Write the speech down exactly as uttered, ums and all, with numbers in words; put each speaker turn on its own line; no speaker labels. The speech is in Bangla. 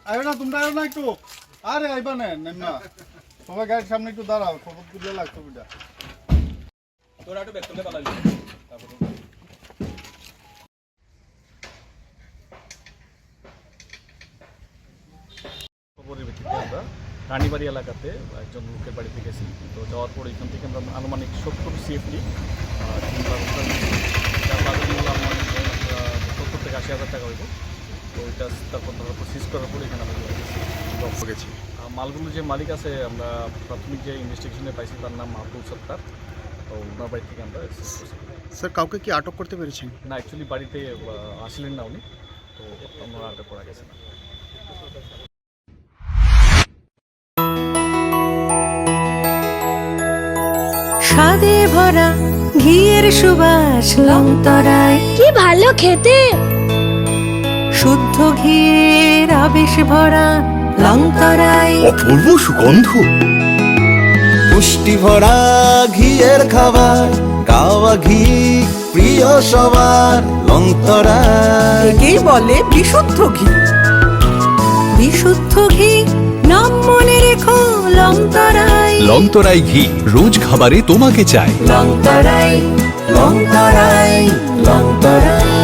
আইও না তোমরা আইও না একটু আরে আইবা না না সবাই গাড়ির সামনে একটু দাঁড়াও খবর দিলে লাগতো বিটা
তোরা একটু ব্যাক করলে পালাবি তারপর খবরের ভিত্তিতে আমরা রানীবাড়ি এলাকাতে একজন লোকের বাড়িতে গেছি। তো যাওয়ার পর এখান থেকে আমরা আনুমানিক সত্তর সিএফটি যার বাজার মূল্য আনুমানিক সত্তর থেকে আশি হাজার টাকা হইব। তো ওইটা তারপর ধরার পর সিজ করার পর এখানে আমরা গেছি। মালগুলো যে মালিক আছে আমরা প্রাথমিক যে ইনভেস্টিগেশনে পাইছি তার নাম আব্দুল সত্তার। তো ওনার বাড়ি থেকে আমরা
স্যার কাউকে কি আটক করতে পেরেছেন?
না, অ্যাকচুয়ালি বাড়িতে আসলেন না উনি, তো আমরা আটক করা গেছে না।
স্বাদে ভরা ঘিয়ের সুবাস লংতরায়
কি ভালো খেতে,
শুদ্ধ ঘিয়ের আবেশ ভরা লংতরায়
অপূর্ব সুগন্ধ, পুষ্টি ভরা ঘিয়ের খাবার, কাওয়া ঘি প্রিয় সবার লংতরায়।
একেই বলে বিশুদ্ধ ঘি। বিশুদ্ধ ঘি নাম মনে রেখো লংতরায়।
লংতরাই ঘি রোজ খাবারে তোমাকে চাই।
লংতরায় লংতরায় লংতরায়।